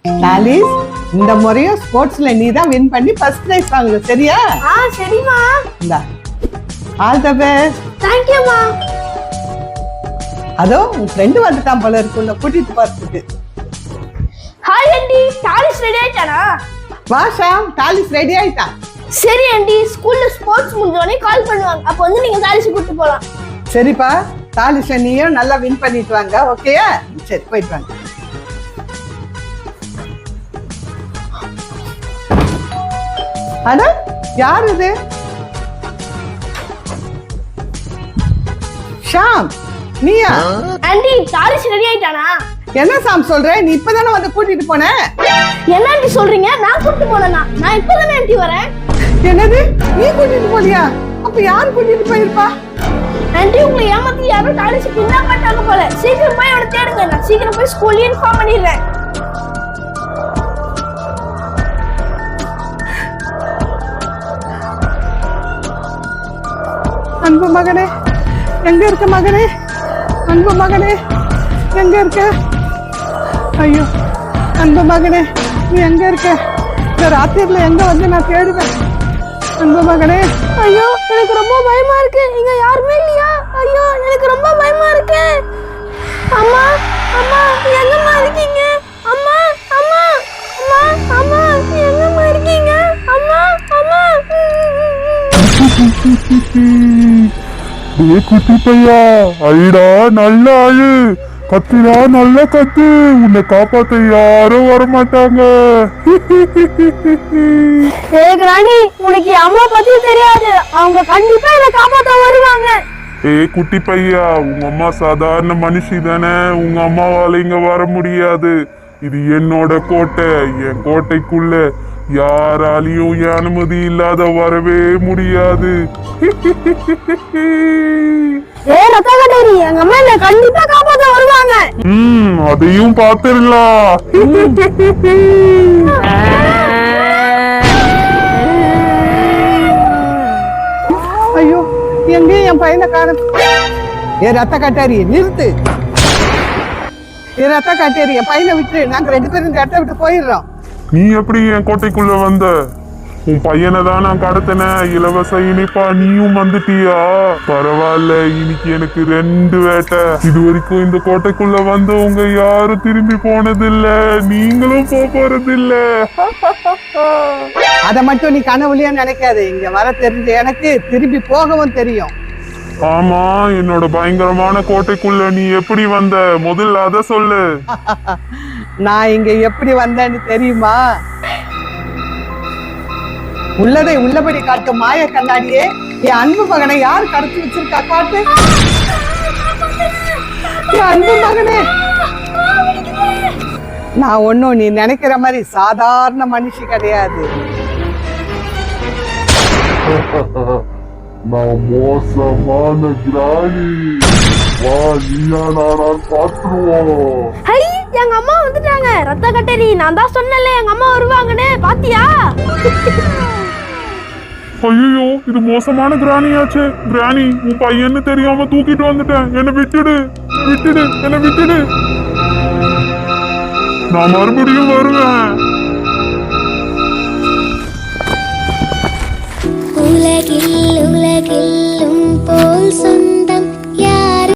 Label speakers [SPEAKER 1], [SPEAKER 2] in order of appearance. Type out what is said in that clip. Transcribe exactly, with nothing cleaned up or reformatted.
[SPEAKER 1] Dolly's, இந்த முறையும் ஸ்போர்ட்ஸ்ல நீ தான் வின் பண்ணி ஃபர்ஸ்ட் பிரைஸ் வாங்குற, சரியா?
[SPEAKER 2] ஆ சரிமா.
[SPEAKER 1] இந்தா, all the best.
[SPEAKER 2] Thank you மா.
[SPEAKER 1] அதோ உன் ஃப்ரெண்ட் வந்துட்டான் போல இருக்கு, உன்னை கூட்டிட்டு போறதுக்கு.
[SPEAKER 2] ஹாய் ஆண்டி, டாலிஸ் ரெடி ஆயிட்டானா?
[SPEAKER 1] வா ஷாம், டாலிஸ் ரெடி ஆயிட்டான்.
[SPEAKER 2] சரி ஆண்டி, ஸ்கூல்ல ஸ்போர்ட்ஸ் முடிஞ்சோடனே கால் பண்ணுவாங்க, அப்ப வந்து நீங்க டாலிஸ் கூட்டிட்டு போலாம்.
[SPEAKER 1] சரிப்பா, டாலிஸ்ல நீயும் நல்லா வின் பண்ணிட்டு வாங்க, ஓகேயா? சரி, போயிட்டு வாங்க. அட, யார் இது? ஷாம், நீயா?
[SPEAKER 2] ஆண்டி, டாலிஸ் ரெடி ஆயிட்டானா?
[SPEAKER 1] என்ன சாம் சொல்ற? நீ இப்பதானே வந்து கூட்டிட்டு போன?
[SPEAKER 2] என்ன ஆண்டி சொல்றீங்க? நான் கூட்டிட்டு போனேனா? நான் இப்பதானே ஆண்டி வரேன்.
[SPEAKER 1] என்னது, நீ கூட்டிட்டு போலியா? அப்ப யார் கூட்டிட்டு போயிருப்பா?
[SPEAKER 2] ஆண்டி, உங்களை ஏமாத்தி யாரோ டாலிஸ் கிட்னாப் பண்ணிட்டாங்க போல. சீக்கிரம் போய் அவனை தேடுங்க, நான் சீக்கிரம் போய் ஸ்கூல்ல இன்ஃபார்ம் பண்ணிடுறேன்.
[SPEAKER 1] அன்பு மகனே, எங்க இருக்க மகனே? அன்பு மகனே, எங்க இருக்க? ஐயோ, அன்பு மகனே, நீ எங்க இருக்க? இந்த ராத்திரில எங்க வந்து நான் தேடுவேன்? அன்பு மகனே.
[SPEAKER 2] ஐயோ, எனக்கு ரொம்ப பயமா இருக்கு. இங்க யாருமே இல்லையா? ஐயோ, எனக்கு ரொம்ப பயமா இருக்கு. அம்மா, அம்மா, எங்கம்மா இருக்கீங்க? அம்மா, அம்மா, அம்மா, அம்மா, எங்கம்மா இருக்கீங்க? அம்மா, அம்மா.
[SPEAKER 3] ஏ குட்டி பையா, ஐடா நல்ல ஆளு, கத்துடா நல்ல கத்து, உன்னை காப்பாத்த யாரும் வரமாட்டாங்க.
[SPEAKER 2] ஏ கிராணி, உனக்கு அம்மா பத்தி தெரியாது, அவங்க கண்டிப்பா என்ன காப்பாத்த வருவாங்க.
[SPEAKER 3] ஏ குட்டி பையா, உங்க அம்மா சாதாரண மனுஷி தானே, உங்க அம்மாவால இங்க வர முடியாது. இது என்னோட கோட்டை, என் கோட்டைக்குள்ள யாராலையும் என் அனுமதி இல்லாத வரவே முடியாது.
[SPEAKER 2] ஏ ரத்தகட்டேரி, எங்க அம்மா என்ன கண்டிப்பா காப்பாத்த வருவாங்க.
[SPEAKER 3] ம், அதையும் பாத்துடலாம்.
[SPEAKER 1] ஐயோ, எங்கேயும் என் பையனை காணும். ஏ ரத்த கட்டாரி, நிறுத்து. ஏ ரத்த கட்டாரி, என் பையனை விட்டு நாங்க ரெண்டு பேரும் இந்த இடத்த விட்டு போயிடுறோம்.
[SPEAKER 3] நீ எப்படி என் கோட்டைக்குள்ள வந்த? உன் பையனை தான் நான் கடத்தினேன். இலவச இனிப்பா நீயும் வந்துட்டியா? பரவாயில்ல, இன்னைக்கு எனக்கு ரெண்டு வேட்டை. இது வரைக்கும் இந்த கோட்டைக்குள்ள வந்தவங்க யாரும் திரும்பி போனதில்ல, நீங்களும் போக போறதில்ல.
[SPEAKER 1] அதை மட்டும் நீ கனவுலயே நினைக்காது, இங்க வர தெரிஞ்ச எனக்கு திரும்பி போகவும் தெரியும்.
[SPEAKER 3] ஆமா, என்னோட பயங்கரமான கோட்டைக்குள்ள நீ எப்படி வந்த? முதல்ல அத சொல்லு.
[SPEAKER 1] நான் இங்க எப்படி வந்தேன்னு தெரியுமா? உள்ளதை உள்ளபடி காட்டும் மாய கண்ணாடியே, என் அன்பு மகனை யார் கடத்தி வச்சிருக்கா காட்டு. என் அன்பு மகனே, நான் ஒன்னும் நீ நினைக்கிற மாதிரி சாதாரண மனுஷி கிடையாது.
[SPEAKER 3] நான் மோசமான கிராணி. வா, நீயா நானா பாத்துருவோம்.
[SPEAKER 2] ஹை, எங்க அம்மா வந்துட்டாங்க. ரத்த கட்டேரி, நான் தான் சொன்னேன்ல எங்க அம்மா வருவாங்கன்னு, பாத்தியா?
[SPEAKER 3] ஐயோ, இது மோசமான கிராணியாச்சு. கிராணி, உன் பையன்னு தெரியாம தூக்கிட்டு வந்துட்டேன். என்ன விட்டுடு, விட்டுடு, என்ன விட்டுடு. நான் மறுபடியும் வருவேன்.
[SPEAKER 4] உலகில் உலகில் போல் சொந்த